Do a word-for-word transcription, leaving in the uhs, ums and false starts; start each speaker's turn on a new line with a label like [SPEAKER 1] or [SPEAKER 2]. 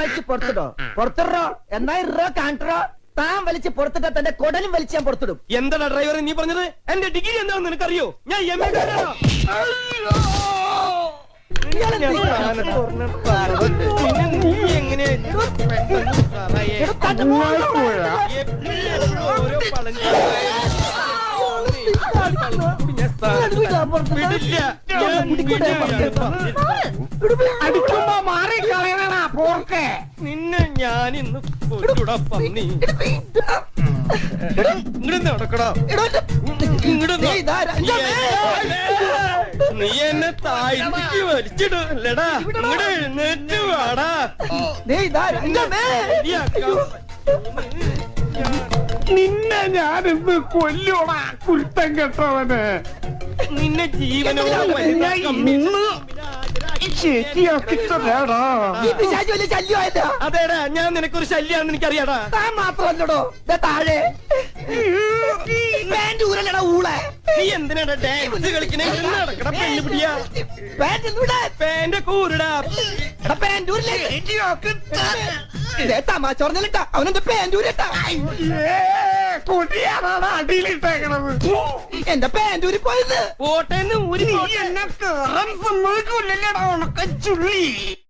[SPEAKER 1] വലിച്ച് പുറത്തിടോ? പുറത്തിടോ? എന്നാ ഇറോ കാണിട്ടോ? താൻ വലിച്ച് പുറത്തിട്ടാ തന്റെ കൊടലും വലിച്ച് ഞാൻ പുറത്തിടും.
[SPEAKER 2] എന്താടാ ഡ്രൈവർ നീ പറഞ്ഞത്? എന്റെ ഡിഗ്രി എന്താണെന്ന് നിനക്കറിയോ? ഞാൻ എം എ നീ എങ്ങനെ ഓരോ പളഞ്ഞ
[SPEAKER 3] അടിക്കുമ്പോ മാറിക്കളയണ പോർക്കെ.
[SPEAKER 2] നിന്നെ ഞാനിന്ന് കൊല്ലൂടാ പന്നി. ഇങ്ങോട്ട് നടക്കടാ. നീ എന്നെ താഴ്ത്തിക്ക് വലിച്ചിടല്ലടാ. ഇങ്ങോട്ട് എഴുന്നേറ്റ് വാടാ.
[SPEAKER 3] നിന്നെ ഞാനിന്ന് കൊല്ലൂടാ കുരുത്തം കെട്ടവന്.
[SPEAKER 2] നിന്നെ ജീവനോട്
[SPEAKER 3] ശരിയാക്കിട്ടേടാ.
[SPEAKER 2] അതേടാ ഞാൻ നിനക്കൊരു ശല്യാണെന്ന് എനിക്കറിയാടാ.
[SPEAKER 1] താൻ മാത്രമല്ലടോ താഴെ ഊരല്ലടാ ഊളെ.
[SPEAKER 2] നീ എന്തിനാടാ ഡാൻസ് കളിക്കണേ? നടക്കട പെണ്ണു പിടിയാ. പാന്റെ കൂരടാ.
[SPEAKER 1] തമാശ പറഞ്ഞിട്ടാ അവനെന്താ പാൻറ്റൂരിട്ടാ.
[SPEAKER 3] കൊടിയാണാണ് അടിയിലിട്ടേക്കണത്.
[SPEAKER 1] എന്റെ പാൻറ്റൂരി പോയത്
[SPEAKER 2] പോട്ടേന്ന് ഊരി
[SPEAKER 3] എന്നെ കേറാൻ സമ്മതിക്കൂല്ലല്ലേടാ ഉണക്ക ചുള്ളി.